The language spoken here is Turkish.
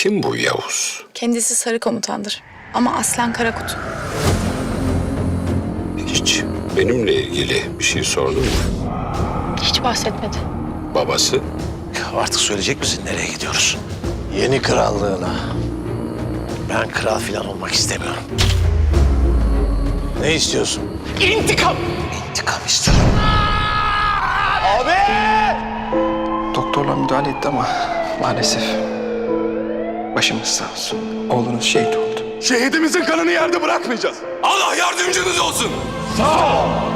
Kim bu Yavuz? Kendisi sarı komutandır. Ama aslen Karakut. Hiç benimle ilgili bir şey sordu mu? Hiç bahsetmedi. Babası? Artık söyleyecek misin nereye gidiyoruz? Yeni krallığına. Ben kral falan olmak istemiyorum. Ne istiyorsun? İntikam! İntikam istiyorum. Doktorlar müdahale etti ama maalesef başımız sağ olsun. Oğlunuz şehit oldu. Şehidimizin kanını yerde bırakmayacağız. Allah yardımcınız olsun. Sağ ol.